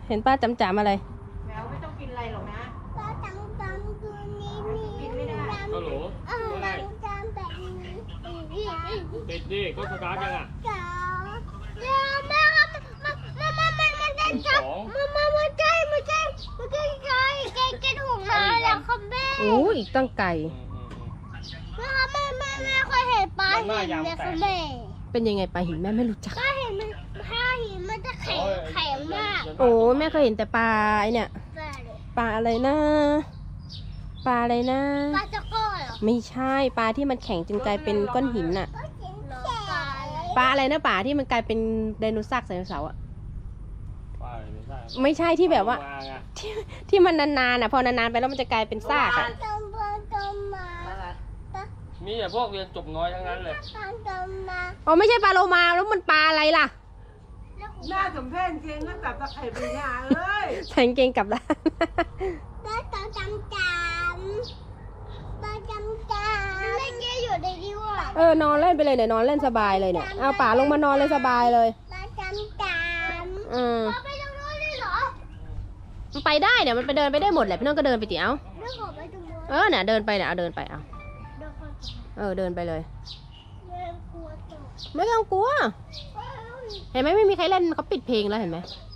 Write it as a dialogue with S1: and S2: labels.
S1: เห็นป้าจำอะไร
S2: แมวไม่ต้องกินอะไรหรอกนะ
S3: ป้าจำตัวนี้
S2: กินไม่ได้
S4: ฮัลโหลอะไร
S3: จำแบบนี้
S4: ติดดิก็สตาร์ทยังอ่ะ
S3: จ๋าเดี๋ยวแม่ครับมันได้จับมันใช่แกถูกมาแล้วครับแม่
S1: โอ้อีกตั้งไก่
S3: แม่ครับแม่เคยเห็นปลาหินไหมครับแม่
S1: เป็นยังไงปลาหินแม่ไม่รู้จัก
S3: ปลาหินมันจะแข็งมาก
S1: โอ้แม่เคยเห็นแต่ปลาไอเนี่ย ปลาอะไรนะ ปลาอะไรนะ
S3: ปลาจะโก้เหรอ
S1: ไม่ใช่ปลาที่มันแข็งจนกลายเป็นก้อนหินน่ะ
S3: ปลาอะไร
S1: ปลาอะไรนะปลาที่มันกลายเป็นไดโนเสาร์ไดโนเสาร์อะ
S4: ไปไม่ใช่
S1: ไม่ใช่ที่แบบว่า
S4: มาไง
S1: ที่มันนานๆน่ะพอนานๆไปแล้วมันจะกลายเป็นซากอะ
S3: จำมา
S4: มีแต่พวกเรียนจบน้อยทั้งนั้นเลย
S3: จำมา
S1: อ๋อไม่ใช่ปลาโลมาแล้วมันปลาอะไรล่ะ
S2: น่าสมเพชจริงก็จับตะไคร่ไปเนี่ยเอ้ย
S1: ใส่กางเกงกลับด้าน
S3: แล้วจำไม่แกอยู่ในนี้ว่ะ
S1: นอนเล่นไปเลยเนี่ยนอนเล่นสบายเลยเนี่ยเอาป่าลงมานอนเลยสบายเลย
S3: แล้วจำเราไปตรงนู้นเลยเหรอ
S1: มันไปได้เนี่ยมันไปเดินไปได้หมดแหละพี่น้องก็เดินไปติเอา
S3: ไม่ขอไปตรงนู้น
S1: เนี่ยเดินไปเนี่ยเอาเดินไปเอา
S3: เดี๋ยวก่อน
S1: เดินไปเลย
S3: แม่กลัวตก
S1: ไม่ต้องกลัว เห็นไหมไม่มีใครเล่นเขาปิดเพลงแล้วเห็นไหม
S3: แ